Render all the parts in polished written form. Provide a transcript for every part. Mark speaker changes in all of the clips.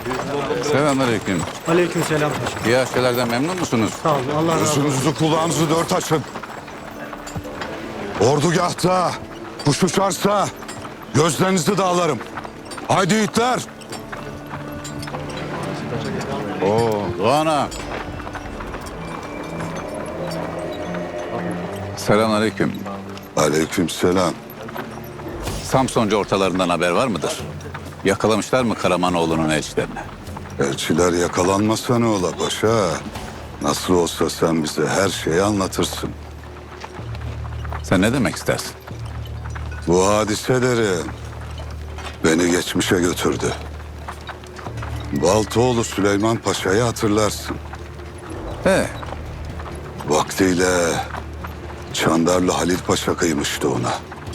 Speaker 1: Selamünaleyküm.
Speaker 2: Aleykümselam paşa.
Speaker 1: İyi aşçılardan memnun musunuz?
Speaker 2: Sağ olun. Allah razı olsun.
Speaker 3: Gözünüzü kulağınızı dört açın. Ordugahta kuş uçarsa gözlerinizi dağlarım. Haydi yiğitler.
Speaker 1: Doğan'a. Selamünaleyküm.
Speaker 3: Aleykümselam.
Speaker 1: Samsuncu ortalarından haber var mıdır? Yakalamışlar mı Karamanoğlu'nun elçilerini?
Speaker 3: Elçiler yakalanmasa ne ola paşa? Nasıl olsa sen bize her şeyi anlatırsın.
Speaker 1: Sen ne demek istersin?
Speaker 3: Bu hadiseleri beni geçmişe götürdü. Baltoğlu Süleyman Paşa'yı hatırlarsın. Vaktiyle Çandarlı Halil Paşa kıymıştı ona.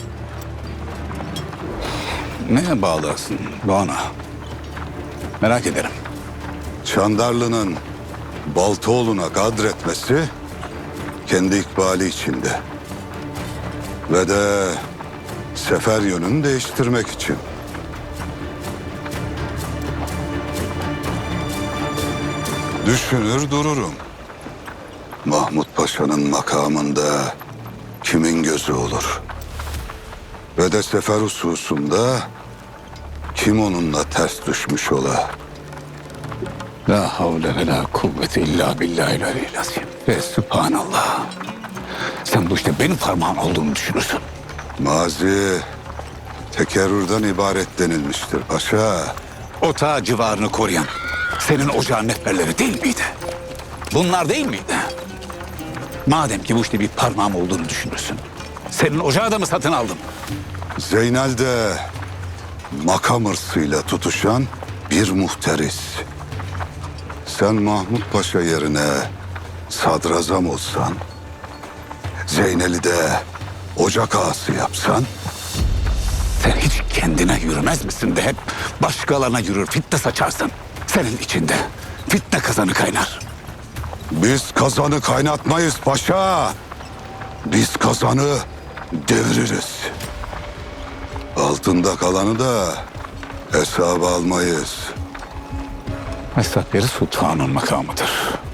Speaker 1: Neye bağlısın Doğan'a? Merak ederim.
Speaker 3: Çandarlı'nın Baltoğlu'na kadretmesi kendi ikbali içinde. Ve de sefer yönünü değiştirmek için. Düşünür dururum. Mahmut Paşa'nın makamında kimin gözü olur? Ve de sefer hususunda kim onunla ters düşmüş ola?
Speaker 1: La havle ve la kuvvete illa billahil aliyyil azim. Ve sübhanallah. Sen bu işte benim parmağım olduğunu düşünürsün.
Speaker 3: Mazi tekerrürden ibaret denilmiştir paşa.
Speaker 1: Otağı civarını koruyan senin ocağın neferleri değil miydi? Bunlar değil miydi? Madem ki bu işte bir parmağım olduğunu düşünürsün. Senin ocağı da mı satın aldım?
Speaker 3: Zeynel'de makam hırsıyla tutuşan bir muhteris. Sen Mahmut Paşa yerine sadrazam olsan, Zeynel'i de ocak ağası yapsan,
Speaker 1: Sen hiç kendine yürümez misin de hep başkalarına yürür, fitne saçarsın. Senin içinde fitne kazanı kaynar.
Speaker 3: biz kazanı kaynatmayız paşa. Biz kazanı deviririz. Altında kalanı da hesaba almayız.
Speaker 1: Esat yeri sultanın makamıdır.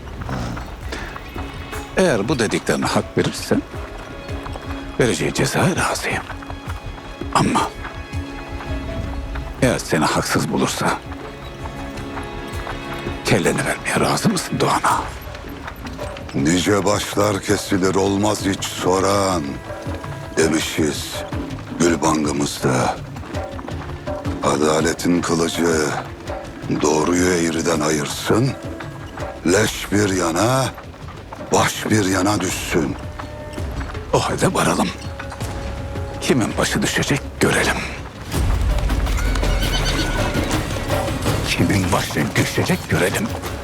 Speaker 1: Eğer bu dediklerine hak verirsen vereceği cezaya razıyım. Ama eğer seni haksız bulursa kelleni vermeye razı mısın Doğan'a?
Speaker 3: Nice başlar kesilir olmaz hiç soran demişiz Gülbangımızda. Adaletin kılıcı doğruyu eğriden ayırsın. Leş bir yana, baş bir yana düşsün.
Speaker 1: O halde varalım. Kimin başı düşecek görelim. Kimin başı düşecek görelim.